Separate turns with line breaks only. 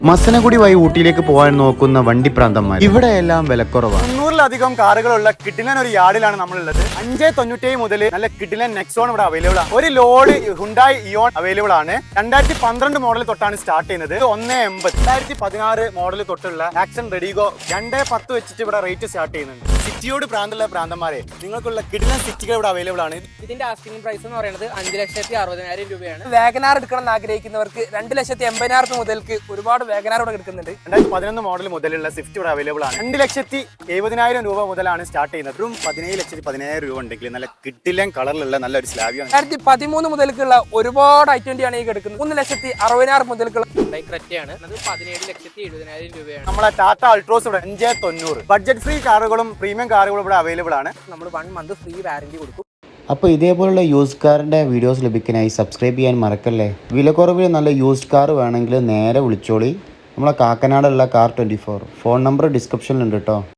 മസനഗുഡി വഴി ഊട്ടിയിലേക്ക് പോകാൻ നോക്കുന്ന വണ്ടിപ്രാന്തന്മാർ ഇവിടെയെല്ലാം വിലക്കുറവാണ്.
300-ലധികം കാറുകളുള്ള കിഡിലൻ ഒരു യാർഡിലാണ് നമ്മളുള്ളത്. 597 മുതൽ നല്ല കിഡിലൻ നെക്സോൺ ഇവിടെ അവൈലബിൾ ആണ്. ഒരു ലോഡ് ഹുണ്ടായി ഇയോൺ അവൈലബിൾ ആണ്. 2012 മോഡൽ തൊട്ടാണ് സ്റ്റാർട്ട് ചെയ്യുന്നത്. 180 2016 മോഡൽ തൊട്ടുള്ള ആക്ഷൻ റെഡിഗോ 210 വെച്ചിട്ട് ഇവിടെ റേറ്റ് സ്റ്റാർട്ട് ചെയ്യുന്നുണ്ട്. സിറ്റിയോട് പ്രാന്തമുള്ള പ്രാന്തന്മാരെ നിങ്ങൾക്കുള്ള കിഡിലൻ സിറ്റികൾ ഇവിടെ അവൈലബിൾ ആണ്.
ഇതിന്റെ ആസ്കിംഗ് പ്രൈസ് എന്ന് പറയുന്നത് 5,60,000 രൂപയാണ്. വാഗനാർ എടുക്കണം എന്ന് ആഗ്രഹിക്കുന്നവർക്ക് 2,80,000 മുതൽക്ക് ഒരുപാട് വാഗനാർ ഇവിടെ എടുക്കുന്നുണ്ട്.
2011 മോഡൽ മുതലുള്ള സ്വിഫ്റ്റ് ഇവിടെ അവൈലബിൾ ആണ്. 2,70,000 രൂപ മുതലാണ് സ്റ്റാർട്ട് ചെയ്യുന്നത്. 17,10,000 രൂപ ഉണ്ടെങ്കിൽ നല്ല കിഡിലൻ കളറിലുള്ള നല്ലൊരു സ്ലാബിയാണ്.
2013 മുതൽക്കുള്ള ഒരുപാട് ഐറ്റം ആണ് ഈ എടുക്കുന്നത്. 1,60,000 മുതൽക്കുള്ള ക്രെറ്റയാണ്. അത് 17,70,000 രൂപയാണ്.
നമ്മളെ ടാറ്റ അൾട്രോസ് ഇവിടെ 590. ബഡ്ജറ്റ് ഫ്രീ കാറുകളും പ്രീമിയം കാറുകളും ഇവിടെ അവൈലബിൾ ആണ്.
നമ്മൾ 1 മന്ത് ഫ്രീ വാറന്റി കൊടുക്കും.
അപ്പോൾ ഇതേപോലുള്ള യൂസ്ഡ് കാറിൻ്റെ വീഡിയോസ് ലഭിക്കാനായി സബ്സ്ക്രൈബ് ചെയ്യാൻ മറക്കല്ലേ. വിലക്കുറവിൽ നല്ല യൂസ്ഡ് കാർ വേണമെങ്കിൽ നേരെ വിളിച്ചോളി. നമ്മളെ കാക്കനാടുള്ള കാർ 24 ഫോൺ നമ്പർ ഡിസ്ക്രിപ്ഷനിലുണ്ട് കേട്ടോ.